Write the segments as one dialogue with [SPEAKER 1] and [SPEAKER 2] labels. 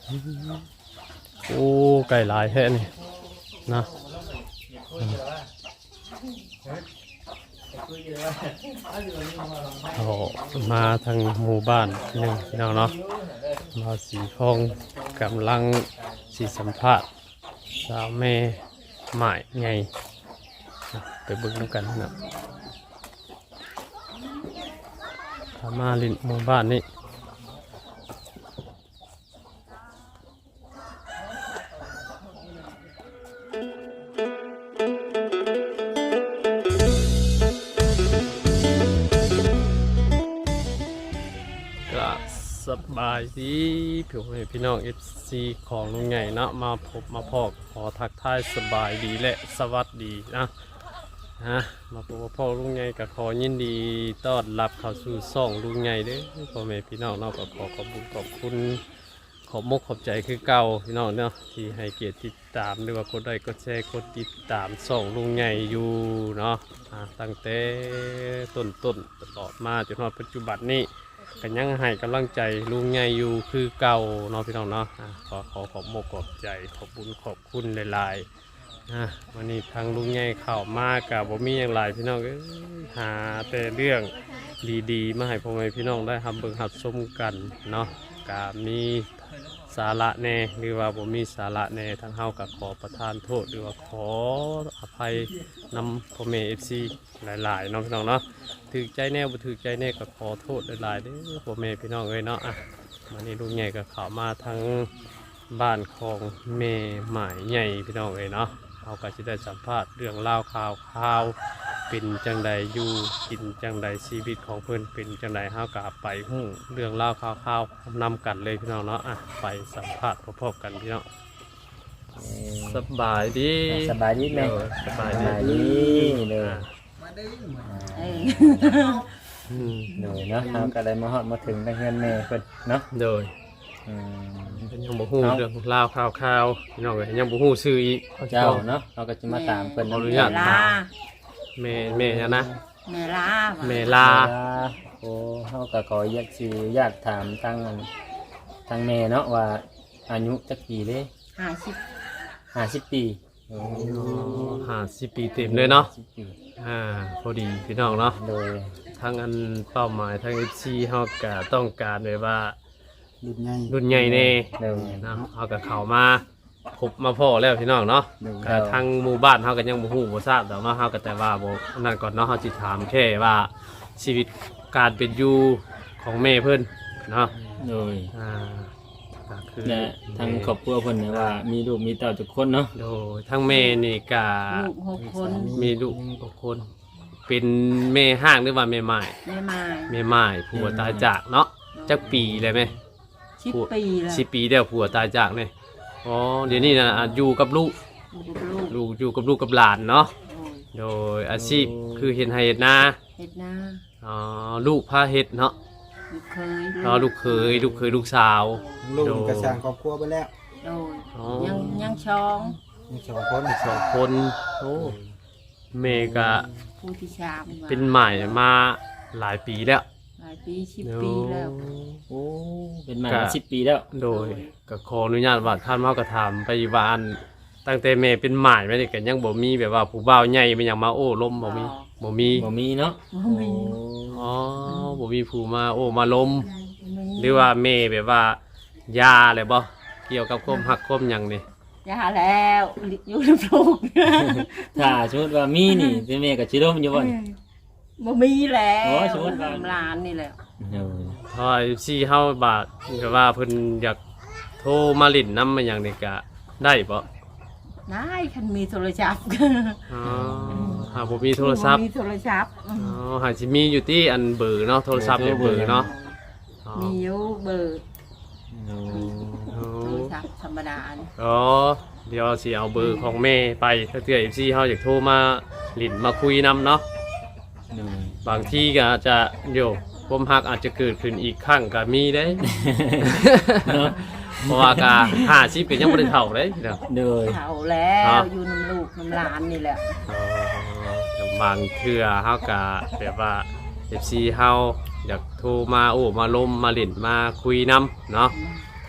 [SPEAKER 1] โอ้ไก่หลายแท้นี่นะโอ้มาทางหมู่บ้านหนึ่งพี่น้องเนาะมาสีทองกำลังสีสัมภาษณ์สาวแม่หมายไงไปเบิ่งกันนะถ้ามาลินหมู่บ้านนี่สบายดีพี่น้อง FC ของลุงใหญ่เนาะมาพบมาพอกขอทักทายสบายดีและสวัสดีนะมาพบมาพอกลุงใหญ่กับขอยินดีต้อนรับเข้าสู่ช่องลุงใหญ่เด้อพ่อแม่พี่น้องเนาะก็ขอขอบคุณขอบมกขอบใจคือเก่าพี่น้องเนาะที่ให้เกียรติติดตามหรือว่ากดไลค์กดแชร์กดติดตามช่องลุงใหญ่อยู่เนาะตั้งแต่ต้นตลอดมาจนถึงปัจจุบันนี้กันยังให้กำลังใจลุงใหญ่อยู่คือเก่าเนาะพี่น้องเนาะขอขอบมกขอบใจขอบบุญขอบคุณหลายๆวันนี้ทางลุงใหญ่เข้ามากับบ่มีอย่างไรพี่น้องหาแต่เรื่องดีๆมาให้พ่อแม่พี่น้องได้ทำเบิ่งหัดชมกันเนาะกามีสาระแน่หรือว่าบ่มีสาระแน่ทางเฮากับขอประทานโทษหรือว่าขออภัยนำพ่อแม่ FC หลายๆเนาะพี่น้องเนาะถือใจแน่บ่ถือใจแน่ก็ขอโทษหลายๆเด้อพ่อแม่พี่น้องเอ้ยเนาะวันนี้ลุงใหญ่ก็เข้ามาทั้งบ้านของแม่หมายใหญ่พี่น้องเอ้ยเนาะเขาก็จะได้สัมภาษณ์เรื่องเล่าข่าวเป็นจังใดอยู่กินจังใดชีวิตของเพื่อนเป็นจังใดเฮาก็ไปหู้เรื่องเล่าข่าวนำกันเลยพี่น้องเนาะไปสัมภาษณ์พบกันพี่น้องสบายดี
[SPEAKER 2] แม่
[SPEAKER 1] สบายดี
[SPEAKER 2] เลยหนูเนาะเราก็ได้มาฮอดมาถึงได้เงินแม่เพิ่นเนาะ
[SPEAKER 1] โดยยังบ่ฮู้เรื่องเล่าข่าวพี่น้องยังบ่ฮู้ชื่ออีก
[SPEAKER 2] เจ้าเนาะเราก็จะมาตามเพิ่น
[SPEAKER 1] อนุญาตแม่นะ
[SPEAKER 3] แม่ลา
[SPEAKER 2] โอ้เฮาก็ขออยากถามทางแม่เนาะว่าอายุจักปีเด้50 ปี
[SPEAKER 1] 50 ปีเต็มเลยเนาะพอดีพี่น้องเนาะ
[SPEAKER 2] โดย
[SPEAKER 1] ทางอันเป้าหมายทาง FC เฮาก็ต้องการแบบว่ารุ่นใหญ่แน่นะเฮาก็เข้ามาพบมาพ่อแล้วพี่น้องเนาะทางหมู่บ้านเฮาก็ยังบ่ฮู้บ่ทราบแต่ว่าเฮาก็แต่ว่าบ่นั่นก่อนเนาะเฮาสิถามแค่ว่าชีวิตการเป็นอยู่ของแม่เพิ่นเนาะ
[SPEAKER 2] โดย
[SPEAKER 1] ก็คือ
[SPEAKER 2] ทางครอบครัวเพิ่นเนี่ยว่ามีลูกมีเต้าทุกคนเนาะ
[SPEAKER 1] โดยทางแม่นี่ก็
[SPEAKER 3] ลูก6 คน
[SPEAKER 1] มีลูก6 คนเป็นแม่ห้างหรือว่าแม่ไม้ผัวตายจากเนาะจักปีเลยมั้ย
[SPEAKER 3] 10 ปีแล้ว
[SPEAKER 1] 10 ปีแล้วผัวตายจากนี่อ๋อเดี๋ยวนี้นะอยู่กับลูกอยู่กับลูกกับหลานเนาะโดยอาชีพคือเฮ็ดไร่เฮ็ดนาอ๋อลูกพาเฮ็ดเนาะลูกเคยลูกสาว
[SPEAKER 4] ลูกกระสร้างครอบครัวไปแล้ว
[SPEAKER 3] โดยยัง
[SPEAKER 1] 2 คนโอ้แม่ก็
[SPEAKER 3] ผู้ที่3
[SPEAKER 1] เป็นใหม่มาหลายปีแล้ว
[SPEAKER 3] 10 ปีแล้ว
[SPEAKER 2] โอ้เป็นมา10 ปีแล้ว
[SPEAKER 1] โดยก็ขออนุญาตว่าท่านเฮาก็ถามไปว่าอันตั้งแต่แม่เป็นหมายมานี่ก็ยังบ่มีแบบว่าผู้บ่าวใหญ่เป็นหยังมาโอ้ล้มบ่มี
[SPEAKER 2] เนาะ
[SPEAKER 1] อ๋อบ่มีผู้มาโอ้มาล้มหรือว่าแม่แบบว่ายาอะไรบ่เกี่ยวกับความหักความหยังนี่
[SPEAKER 3] ยาแล้วอยู่กับลูก
[SPEAKER 2] ถ้าสมมุติว่ามีนี่แม่ก็สิล้มอยู่บ่
[SPEAKER 3] บ่มีแล้วสมมุติว่าหลานนี่แหละ
[SPEAKER 1] พอสิเฮาบาดแบบว่าเพิ่นอยากโทรมาลิ้นนำมาหยังนี่ก็ได้บ่
[SPEAKER 3] ได้คันมีโทรศัพท์
[SPEAKER 1] หาบ่มีโทรศัพท์หาสิมีอยู่ที่อันเบอร์เนาะโทรศัพท์เนี่ยเบอร์เนาะ
[SPEAKER 3] มีอยู่เบอร์โทรศัพท์ธรรมดา
[SPEAKER 1] เดี๋ยวสิเอาเบอร์ของแม่ไปถ้าเทื่อ FC เฮาอยากโทรมาลิ้นมาคุยนำเนาะบางทีก็อาจจะความฮักอาจจะเกิดขึ้นอีกครั้งก็มีได้เพราะว่ากะ50ก็ยังบ่ได้เฒ่าเลยเนาะ
[SPEAKER 3] เฒ่าแล้วอยู่น้ำลูกน้ำหลานนี่แหละ
[SPEAKER 1] บางเทื่อเฮาก็แบบว่า FC เฮาอยากโทรมาโอ้มาล้มมาเล่นมาคุยนำเนาะ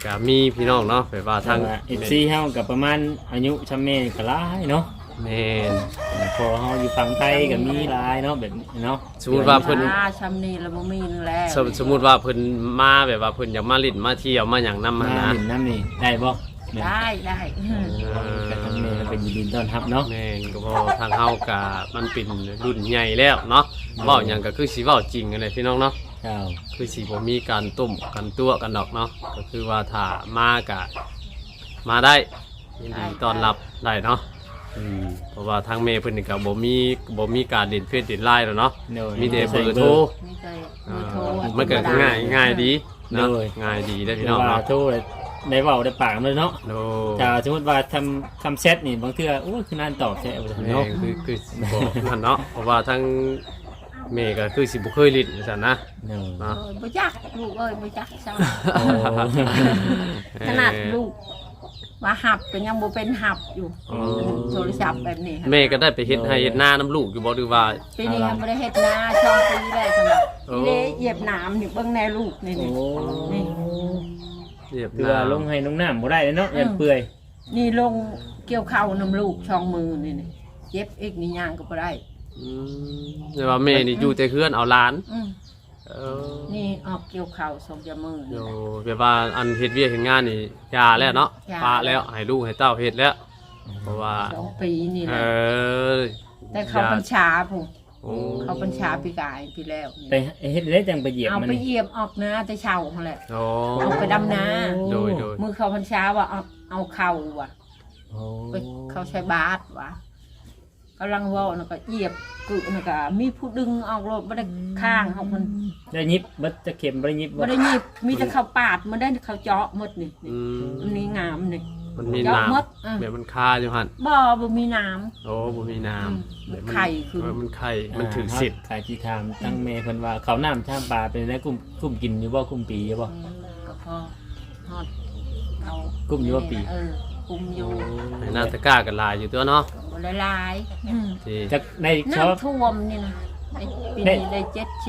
[SPEAKER 1] ก็มีพี่น้องเนาะแบบว่าทาง
[SPEAKER 2] FC เฮากับประมาณอายุชำแม่ก็หลายเนาะ
[SPEAKER 1] แม่น
[SPEAKER 2] พอเฮาอยู่ฝั่งไทยก็มีหลายเนาะแบบนี้เนาะ
[SPEAKER 1] สมมุติว่าเพิ่น
[SPEAKER 3] ชำนี่แล้วบ่มีนึงแล้ว
[SPEAKER 1] สมมุติว่าเพิ่นมาแบบว่าเพิ่นอยากมาลิ้นมาเที่ยวมาหยังนำ
[SPEAKER 2] มา
[SPEAKER 1] มานะ
[SPEAKER 2] หลินน้ำนี่ได้บ่
[SPEAKER 3] ได้
[SPEAKER 2] ก็ทางแม่ก็เป็นยินดีต้อนรับเนาะ
[SPEAKER 1] แม่นก็เพราะทางเฮาก็มันเป็นรุ่นใหญ่แล้วเนาะเว้าหยังก็คือสิเว้าจริงกันเลยพี่น้องเนาะ
[SPEAKER 2] เจ้า
[SPEAKER 1] คือสิบ่มีการต้มกันตัวกันดอกเนาะก็คือว่าถ้ามาก็มาได้ยินดีต้อนรับได้เนาะเพราะว่าทางเมย์เพิ่นนี่ก็บ่มีการเด่นเฟซเด่นไลน์แล้วเนาะ
[SPEAKER 2] โดย
[SPEAKER 1] มีแต่เบอร์โทร
[SPEAKER 3] นี่เคยเบอร์โทร
[SPEAKER 1] มันก็ง่ายดีเนาะ
[SPEAKER 2] โดย
[SPEAKER 1] ง่ายดีได้อพี่
[SPEAKER 2] พี่
[SPEAKER 1] น้
[SPEAKER 2] น้
[SPEAKER 1] อ
[SPEAKER 2] อง ง
[SPEAKER 1] เนาะ
[SPEAKER 2] โทรได้เว้าได้ปากเลยเนาะ
[SPEAKER 1] โด
[SPEAKER 2] ถ้าสมมุติว่าทำแชทนี่บางเทื่อโอ้ยคือนานตอบแชท
[SPEAKER 1] แม่
[SPEAKER 2] เนาะ
[SPEAKER 1] คือบ่นั่นเนาะเพราะว่าทางเมย์ก็คือสิบ่เคยลิ้นซั่นนะ
[SPEAKER 2] เนาะ
[SPEAKER 1] เนาะ
[SPEAKER 3] บ่จักลูกเอ้ยบ่จักซ้
[SPEAKER 2] โอ้
[SPEAKER 3] ำขนาดลูกว่าหับก็ยังบ่เป็นหับอยู่โทรศัพท์แบบนี้
[SPEAKER 1] เมย์ก็ได้ไปเฮ็ดให้เฮ็ดหน้าน้ำลูกอยู่บ่หรือว่า
[SPEAKER 3] ปีนี้ยังบ่ได้เฮ็ดนาช่องปีแรกสำหรับ
[SPEAKER 1] โอ้
[SPEAKER 3] นี่เหยียบน้ำนี่เบิ่งแน่ลูกนี่
[SPEAKER 2] โอ้
[SPEAKER 3] นี่
[SPEAKER 1] เรียบ
[SPEAKER 2] คือว่าลงให้ลงน้ำบ่ได้เนาะยันเปื่อย
[SPEAKER 3] นี่ลงเกี่ยวข้าวน้ำลูกช่องมือนี่เจ็บอีกนี่ย่างก็บ่ได้
[SPEAKER 1] แต่ว่าเมย์นี่อยู่แต่เฮือนเอาหลาน
[SPEAKER 3] อืม
[SPEAKER 1] เออ
[SPEAKER 3] นี่ออกเกี่ยวข้าวสองจมือ
[SPEAKER 1] โย
[SPEAKER 3] นี่
[SPEAKER 1] แบบว่าอันเฮ็ดเวียกเฮ็ดงานนี่ยาแล้วเนาะ
[SPEAKER 3] ยา
[SPEAKER 1] ปาแล้วให้ลูกให้เต้าเฮ็ดแล้ว เพราะว่า
[SPEAKER 3] 2 ปีนี่
[SPEAKER 1] เอ
[SPEAKER 3] นะ
[SPEAKER 1] อ
[SPEAKER 3] แต่เขาบัญชาผม
[SPEAKER 1] โอ้
[SPEAKER 3] เขาบัญชาปีกายปีแล้วนี่
[SPEAKER 2] ไปเฮ็ดได้จังไปเหยียบ
[SPEAKER 3] เอา
[SPEAKER 2] มัน
[SPEAKER 3] ไป
[SPEAKER 2] นี่
[SPEAKER 3] เหยียบออกนาแต่เช้าหั่นแหละ
[SPEAKER 1] โอ้
[SPEAKER 3] เอาไปดำนา
[SPEAKER 1] โดยโดย
[SPEAKER 3] มือเขาบัญชาว่าเอาเข่าว่ะ
[SPEAKER 2] โอ้
[SPEAKER 3] ไปเขาใช้บาสว่ะกำลังเว่าน่ะก็เหยียบกึน่ะก็มีผู้ดึงออกรถบ่ได้ข้างเขามัน
[SPEAKER 2] ได้ยิบบัดจะเข็มบ่ได้ยิบ
[SPEAKER 3] บ่ได้หยิบมีแต่เขาปาดมันได้เขาเจาะหมดนี่
[SPEAKER 1] อืม
[SPEAKER 3] อันนี้งามนี่
[SPEAKER 1] มันมี
[SPEAKER 3] เจาะ
[SPEAKER 1] น้
[SPEAKER 3] หมดอ่ะ
[SPEAKER 1] ำแบบมันคาอยู่หั่น
[SPEAKER 3] บ่มีน้ำ
[SPEAKER 1] โอ้บ่มีน้
[SPEAKER 3] อืม
[SPEAKER 1] ำ
[SPEAKER 3] มัน
[SPEAKER 1] แบบ
[SPEAKER 3] ไข่คือ
[SPEAKER 1] มันไข่มันถึงสิทธิ์
[SPEAKER 2] ขายที่ทามตั้งแม่เพิ่นว่าเขาวน้ำชามปลาเป็นได้กุ้มกินอยู่บ่กุ้มปีอยู่บ่
[SPEAKER 3] ก็พอฮอดเอา
[SPEAKER 2] กุ้มอยู่ว่าปี
[SPEAKER 3] กุมอยู่
[SPEAKER 1] ให้หน้าตะกร้ากันลายอยู่ตัวเนาะ
[SPEAKER 3] บ่ละลายอืม
[SPEAKER 1] ที่
[SPEAKER 2] จักในชอบ
[SPEAKER 3] น้ำท่วมนี่นะได้ปีนี้ได้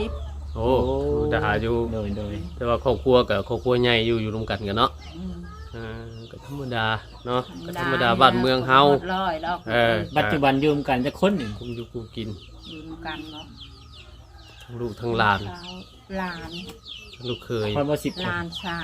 [SPEAKER 3] 70
[SPEAKER 1] โอ้ดาอยู่
[SPEAKER 2] โดย
[SPEAKER 1] แต่ว่าครอบครัวกับครอบครัวใหญ่อยู่รวมกันกันเนาะ
[SPEAKER 3] อืม
[SPEAKER 1] ก็ธรรมดาเนาะก็ธรรมดาบ้านเมืองเฮา
[SPEAKER 3] ร้อยแล้ว
[SPEAKER 1] เออ
[SPEAKER 2] ปัจจุบันอยู่ร่วมกันจะคนหนึ่ง
[SPEAKER 1] คุมอยู่คุมกิน
[SPEAKER 3] อยู่นำกันเนาะ
[SPEAKER 1] ทั้งลูกทั้งหลาน
[SPEAKER 3] หลาน
[SPEAKER 1] ทั้งลูกเคย
[SPEAKER 2] พอบ่สิบ
[SPEAKER 3] หลาน3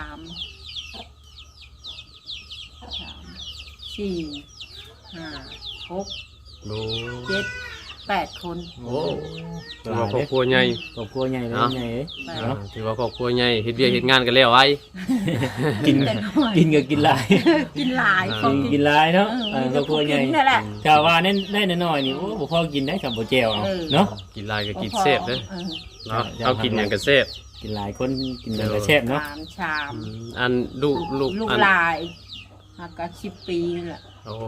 [SPEAKER 3] 4 5 6
[SPEAKER 1] โอ้
[SPEAKER 3] 7 8 คน
[SPEAKER 1] โหถือว่าครอบครัวใหญ่
[SPEAKER 2] ครอบครัวใหญ่เลย
[SPEAKER 1] เนาะ
[SPEAKER 2] ใหญ่เลยเนาะ
[SPEAKER 1] ถือว่าครอบครัวใหญ่เฮ็ดเวียกเฮ็ดงานกันแล้วไว้
[SPEAKER 2] กิน
[SPEAKER 3] แต่น้อย
[SPEAKER 2] กินก็กินหลาย
[SPEAKER 3] กินหลาย
[SPEAKER 2] กินหลายเนาะ
[SPEAKER 3] มี
[SPEAKER 2] ครอบครัวใหญ่
[SPEAKER 3] กินนั่นแหละ
[SPEAKER 2] ถ้าว่าเน้นได้น้อยๆนี่โอ้บ่พอกินได้กับบ่แจ่วเอาเนาะ
[SPEAKER 1] กินหลายก็กินเซฟเด้อเนาะเอากินหยังก็เซฟ
[SPEAKER 2] กินหลายคนกินอย่างก็แซ่บ
[SPEAKER 3] ห
[SPEAKER 2] เนาะ
[SPEAKER 3] ลานชาม
[SPEAKER 1] อันลูก
[SPEAKER 3] ลูก
[SPEAKER 1] อัน
[SPEAKER 3] ลายหากก็10 ปีนี่แหละ
[SPEAKER 1] โอ้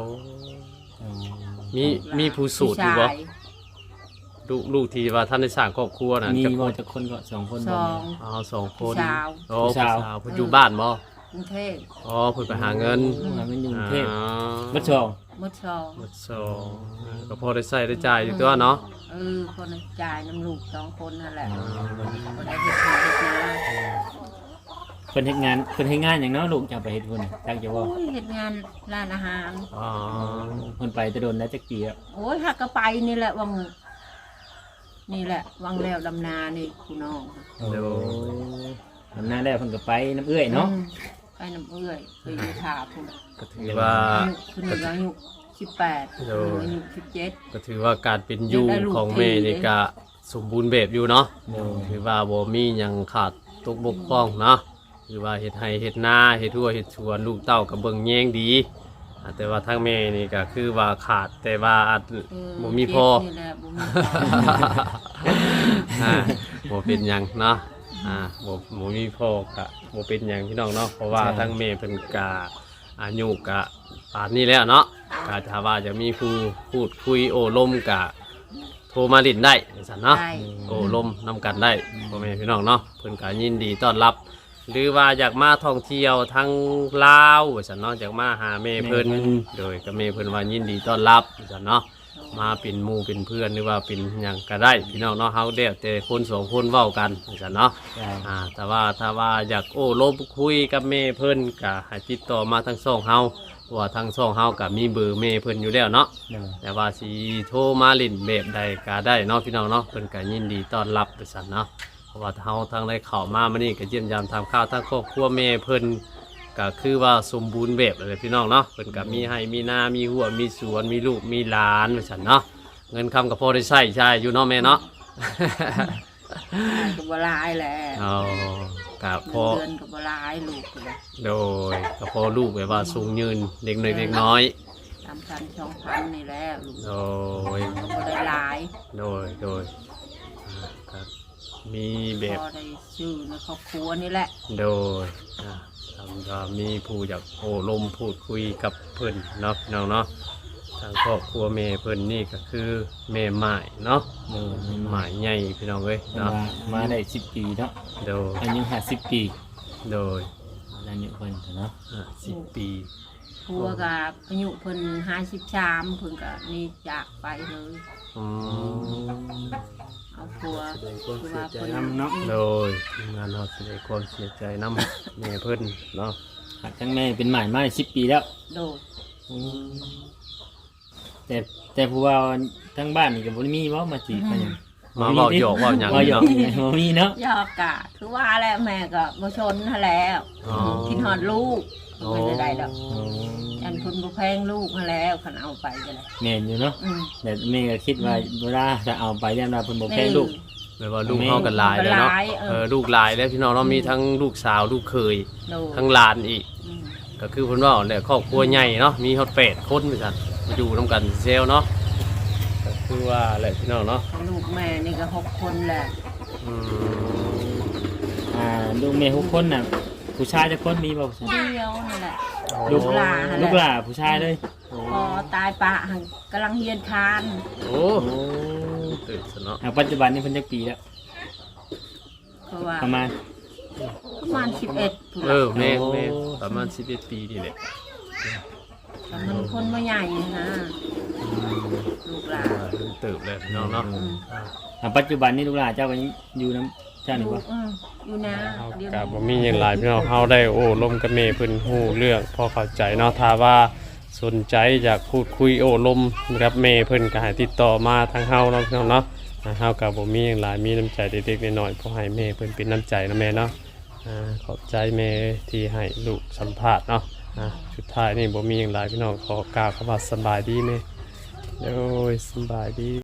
[SPEAKER 1] มีผู้สูตรอยู่บ่
[SPEAKER 3] พี่ชาย
[SPEAKER 1] ลูกที่ว่าท่านได้สร้างครอบครัวน่ะ
[SPEAKER 2] มี
[SPEAKER 1] จะ
[SPEAKER 2] บ่จักคนก็2คน
[SPEAKER 3] ส
[SPEAKER 2] บ่
[SPEAKER 3] อง
[SPEAKER 1] อ๋อสองคน
[SPEAKER 3] ผู้สาว
[SPEAKER 1] โอ้
[SPEAKER 2] ผู้
[SPEAKER 1] ผู้
[SPEAKER 2] สาว
[SPEAKER 1] สาวเพิ่นอยู่บ้านบ่
[SPEAKER 3] กรุงเทพ
[SPEAKER 1] อ๋อเพิ่นไปหาเงิน
[SPEAKER 2] มันอยู่กรุงเทพ
[SPEAKER 1] อ๋อ
[SPEAKER 2] บัดชอง
[SPEAKER 3] มดชอง
[SPEAKER 1] หมดสองก็พอได้ใส่ได้จ่ายอยู่ตัวเนาะ
[SPEAKER 3] คนจ่ายน้ำลูก2 คนนั่นแหละ
[SPEAKER 2] อ๋อ
[SPEAKER 3] บ่ได้เฮ็ดนาเฮ็ดนา
[SPEAKER 2] เพิ่นเฮ็ดงานหยังเนาะลูกจะเอาไปเฮ็ดพุ่นจักจะบ่
[SPEAKER 3] โอ้ยเฮ็ดงานร้านอาหาร
[SPEAKER 1] อ๋อ
[SPEAKER 2] เพิ่นไปแตะโดนแล้วจักปีแล้ว
[SPEAKER 3] โอ้ยหักก็ไปนี่แหละวังนี่แหละวังแล้วดำนานี่คุณน้อง
[SPEAKER 2] เดี๋ยวทำหน้าได้เพิ่นก็ไปน้ำเอื้อยเนาะ
[SPEAKER 3] ไปน้ำเอื้อยไปอยู่ถาพุ่น
[SPEAKER 1] ก็ถือว่า
[SPEAKER 3] คุณอายุ18
[SPEAKER 1] โดย
[SPEAKER 3] อายุ
[SPEAKER 1] ก็ถือว่าการเป็นอยู่ของแม่นี่ก็สมบูรณ์แบบอยู่เนาะ
[SPEAKER 2] เดี๋ยว
[SPEAKER 1] ถือว่าบ่มีหยังขาดตกบกพร่องเนาะถือว่าเฮ็ดไร่เฮ็ดนาเฮ็ดทั่วเฮ็ดสวนลูกเต้าก็เบิ่งแยงดีแต่ว่าทางแม่นี่ก็คือว่าขาดแต่ว่าอาจ
[SPEAKER 3] 17
[SPEAKER 1] บ่มีพอ
[SPEAKER 3] นี่แหละบ่มี
[SPEAKER 1] อ่าบ่เป็นหยังเนาะบ่มีพ่อก็บ่เป็นหยังพี่น้องเนาะเพราะว่าทั้งแม่เพิ่นก็อายุก็ป่านนี้แล้วเนาะก็ถ้าว่าจะมีผู้พูดคุยโอ้ลมก็โทรมาลิ้นได้ซั่นเนาะ
[SPEAKER 3] ได้
[SPEAKER 1] โอ้ลมนำกันได้พ่อแม่พี่น้องเนาะเพิ่นก็ยินดีต้อนรับ หรือว่าอยากมาท่องเที่ยวทั้งลาวว่าซั่นเนาะอยากมาหาแม่เพิ่นโดยก็แม่เพิ่นว่ายินดีต้อนรับว่าซั่นเนาะมาเป็นหมู่เป็นเพื่อนหรือว่าเป็นหยังก็ได้พี่น้องเนาะเฮาเด้วแต่คนสองคนเว้ากันจังเนาะ แต่ว่าถ้าว่าอยากโอ้ลบคุยกับแม่เพิ่นก็ให้ติดต่อมาทางช่องเฮาเพราะว่าทางช่องเฮาก็มีเบอร์แม่เพิ่นอยู่แล้วเนาะ แต่ว่าสิโทรมาเล่นแบบใดก็ได้เนาะพี่น้องเนาะเพิ่นก็ยินดีต้อนรับไปสั่นเนาะเพราะว่าเฮาทางได้เข้ามามื้อนี้ก็เยี่ยมยามทำข้าวทางครอบครัวแม่เพิ่นก็คือว่าสมบูรณ์แบบเลยพี่น้องเนาะเพิ่นก็มีให้มีนามีหัวมีสวนมีลูกมีหลานไปสั่นเนาะเงินคำก็พอได้ใช้อยู่เนาะแม่เนาะ
[SPEAKER 3] ก็บ่หลายแหละ
[SPEAKER 1] อ๋อกับพอ
[SPEAKER 3] เดือนก็บ่หลายลูกก็เลย
[SPEAKER 1] โดยกับพอลูกแบบว่าสูงยืนเด็กน้อยเด็กน้อย
[SPEAKER 3] 3,000-2,000นี่แหละลูก
[SPEAKER 1] โดย
[SPEAKER 3] ก็บ่ได้หลาย
[SPEAKER 1] โดยครับมีแบบ
[SPEAKER 3] พอได้ชื่อในครอบครัวนี่แหละ
[SPEAKER 1] โดยทำก็มีผู้อยากโอ้ลมพูดคุยกับเพิ่นเนาะพี่น้องเนาะทางครอบครัวแม่เพิ่นนี่ก็คือแม่หมายเนาะหมายใหญ่พี่น้องเอ้ยเนาะ
[SPEAKER 2] มาได้10 ปีเนาะ
[SPEAKER 1] โดย
[SPEAKER 2] อายุ50 ปี
[SPEAKER 1] โดย
[SPEAKER 2] อายุเพิ่นเนาะ
[SPEAKER 1] 10 ปี
[SPEAKER 3] ผัวกับอายุเพิ่น53เพิ่นก็นี่จากไปเลย
[SPEAKER 1] อืม
[SPEAKER 3] เอาผัว
[SPEAKER 4] แสดงความเสียใจนำเนาะ
[SPEAKER 1] โดยทีมงานเราแสดงความเสียใจน้ำแม่เพิ่นเนาะ
[SPEAKER 2] ทั้งแม่เป็นหมายมาได้10 ปีแล้ว
[SPEAKER 3] โดด
[SPEAKER 2] แต่ผู้ว่าทั้งบ้านนี่ก็บ่ได้มีเว้ามาจีบมาหยัง
[SPEAKER 1] มาเว้าหยอกเว้าหยัง
[SPEAKER 2] เว้าหยอก
[SPEAKER 1] เนาะ
[SPEAKER 2] บ่มีเนาะ
[SPEAKER 3] ยอกกะคือว่าแหละแม่ก็บ่ชนหั่นแล้ว
[SPEAKER 1] อ๋อ
[SPEAKER 3] คิดฮอดลูก
[SPEAKER 1] อ๋อ
[SPEAKER 3] ไม่ได้ดอกอันเพิ่นบ่แพงลูกหั่นแล้วคันเอาไปก็ได้
[SPEAKER 2] แม่นอยู่เนาะ
[SPEAKER 3] อืม
[SPEAKER 2] แต่แม่ก็คิดว่าเวลาจะเอาไปย่ำนาเพิ่นบ่แพ้ลูก
[SPEAKER 1] แบบว่าลูกเฮากันหลายแล้วเนาะ
[SPEAKER 3] หลายเออ
[SPEAKER 1] ลูกหลายแล้วพี่น้องเรามีทั้งลูกสาวลูกเคย
[SPEAKER 3] โดด
[SPEAKER 1] ทั้งหลานอีก
[SPEAKER 3] อืม
[SPEAKER 1] ก็คือเพิ่นว่าแหละครอบครัวใหญ่เนาะมีฮอด8คนเหมือนกันมาอยู่นํกันเซลเนาะก็คือว่าแหละพี่น้องเนาะ
[SPEAKER 3] ลูกแม่นี่ก็6คนแหละ
[SPEAKER 1] อืม
[SPEAKER 2] ลูกแม่6คนน่ะผู้ชายจักคนมีบ่ผู้ชาย
[SPEAKER 3] เดียวนั่นแหละ
[SPEAKER 2] ลูก
[SPEAKER 3] หลาน
[SPEAKER 2] ลูกหลานผู้ชายเลย
[SPEAKER 3] พอตายปะหังกำลังเฮียนคาน
[SPEAKER 1] โอ้ตื่นซะเนาะ
[SPEAKER 2] ปัจจุบันนี้เพิ่นจักปีแล้ว
[SPEAKER 3] เพราะว่า
[SPEAKER 2] ประมาณ
[SPEAKER 3] 11พุ่น
[SPEAKER 1] เอ
[SPEAKER 3] ล่ะ
[SPEAKER 1] อแม่ประมาณ11ปีนี่แหละ
[SPEAKER 3] แต่มันคนบ่ใหญ่นะลูกหลาน
[SPEAKER 1] ตื่นเลยพี่น้องเนาะ
[SPEAKER 2] ปัจจุบันนี้ลูกหลานเจ้าก็อยู่น้ำเจ้านี่บ่
[SPEAKER 3] อยู่นะ
[SPEAKER 1] เอา
[SPEAKER 3] เดี๋ยว
[SPEAKER 1] กับบ่มีอย่างไรพี่น้องเฮาได้โอ้ลมกับแม่เพิ่นฮู้เรื่องพอเข้าใจเนาะถ้าว่าสนใจอยากพูดคุยโอ้ลมกับแม่เพิ่นก็ให้ติดต่อมาทางเฮาเนาะพี่น้องเนาะเฮากับบ่มีอย่างไรมีน้ำใจเด็กๆน้อยๆพอให้แม่เพิ่นเป็นน้ำใจนะแม่เนาะขอบใจแม่ที่ให้ลูกสัมภาษณ์เนาะสุดท้ายนี่บ่มีอย่างไรพี่น้องขอกล่าวคำว่าสบายดีแม่โอ้ยสบายดี